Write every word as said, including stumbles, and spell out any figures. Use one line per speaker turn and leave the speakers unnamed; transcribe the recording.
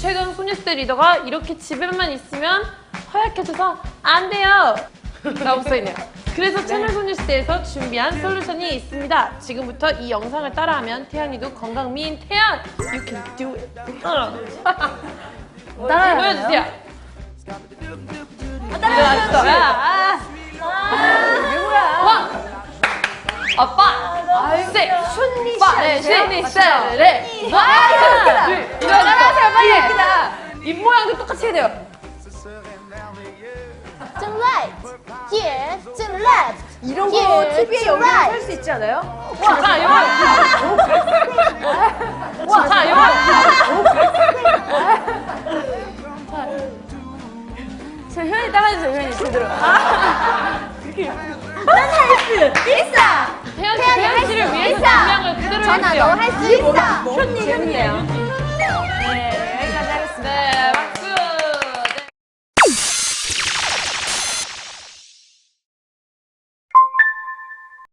최강 소녀시대 리더가 이렇게 집에만 있으면 허약해져서 안 돼요! 라고 써있네요. 그래서 채널 소녀시대에서 준비한 솔루션이 있습니다. 지금부터 이 영상을 따라하면 태연이도 건강 미인 태연! You can do it!
따라해요?
보여주세요.
아, 따라해요.
아,
누구야?
와! 아빠! 셋!
춘리
빠!
씨.
네, 셋! 셋! 넷!
와, 웃기다.
둘!
따라하세요, 빨리. 웃기다.
입 모양도 똑같이 해야 돼요.
좀 right, yeah, 좀 left.
이런 거
Yeah,
티비에
to
연결해서
right.
할 수 있지 않아요?
자, 이거! 와, 자, 이거!
저 효연이 따라해주세요, 효연이 제대로.
있어.
태연 씨,
태연이
태연
할수
씨를 위해서
있어.
분량을 그대로
전화 너
해주세요.
할 수 있어.
효연이, 효연이에요.